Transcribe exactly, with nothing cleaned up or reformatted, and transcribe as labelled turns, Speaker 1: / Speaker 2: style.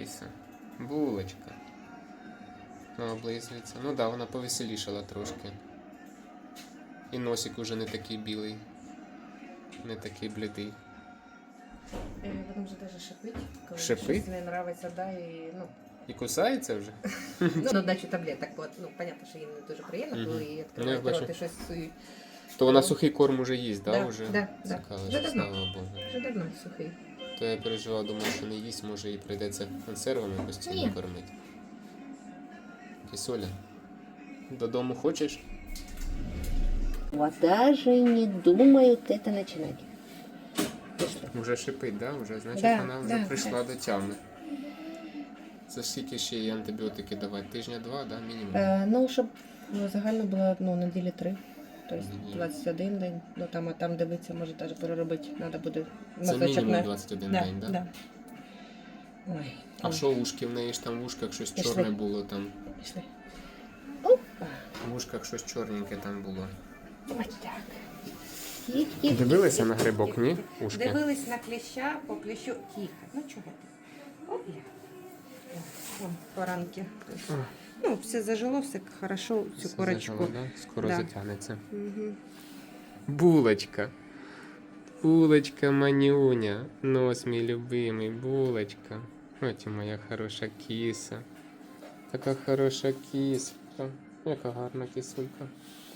Speaker 1: кіса. Булочка. Ну, облизується. Ну так, да, вона повеселішала трошки. І носик уже не такий білий. Не такий блідий.
Speaker 2: Потім вже навіть шипить, коли
Speaker 1: Шипить?
Speaker 2: щось не подобається, да, і, ну,
Speaker 1: І кусається вже?
Speaker 2: ну, на дачу таблеток, от, ну, понятно, що їм не дуже приємно,
Speaker 1: Мгм.
Speaker 2: коли її
Speaker 1: Ну,
Speaker 2: відкривають
Speaker 1: я
Speaker 2: рот
Speaker 1: бачу.
Speaker 2: і щось сують.
Speaker 1: То вона сухий корм уже їсть, да?
Speaker 2: Да,
Speaker 1: Уже?
Speaker 2: да, да.
Speaker 1: Цікаво,
Speaker 2: Вже
Speaker 1: що,
Speaker 2: давно.
Speaker 1: слава Богу.
Speaker 2: Вже давно сухий.
Speaker 1: То я переживав, думав, що не їсть, може їй прийдеться консервами постійно
Speaker 2: Ні.
Speaker 1: кормити. Кисоля, додому хочеш?
Speaker 2: Вот даже не думают это начинать. Пішли.
Speaker 1: Уже шипить, да? Уже, значить,
Speaker 2: Да,
Speaker 1: вона вже
Speaker 2: да,
Speaker 1: прийшла до тями. Це скільки ще їй антибіотики давати? Тижня два, да? Мінімум?
Speaker 2: Е, ну, щоб ну, загально було ну, неділі три. Тобто
Speaker 1: Неділі.
Speaker 2: двадцять один день. Ну там, а там дивитися, може навіть переробити. Треба буде
Speaker 1: Це
Speaker 2: мазочок
Speaker 1: мінімум
Speaker 2: на...
Speaker 1: двадцять один
Speaker 2: да,
Speaker 1: день, да?
Speaker 2: да. Ой.
Speaker 1: А що ушки? В неї ж там в ушках щось
Speaker 2: Пішли.
Speaker 1: чорне було там.
Speaker 2: Пішли. Опа.
Speaker 1: В ушках щось чорненьке там було.
Speaker 2: Ось так. Їх, їх,
Speaker 1: Дивилися
Speaker 2: їх,
Speaker 1: на
Speaker 2: їх,
Speaker 1: грибок,
Speaker 2: їх,
Speaker 1: ні?
Speaker 2: їх.
Speaker 1: Ушки?
Speaker 2: Дивились на кліща, по кліщу. Тихо. Ну чого ти? Опля. Вон, поранки. Ну, все зажило, все хорошо, цю
Speaker 1: Все
Speaker 2: корочку.
Speaker 1: зажило, да? Скоро
Speaker 2: Да.
Speaker 1: затягнеться.
Speaker 2: Угу.
Speaker 1: Булочка. Булочка, манюня. Нос мій любимий, булочка. Ось і моя хороша кіса. Така хороша кіска. Яка гарна кисулька.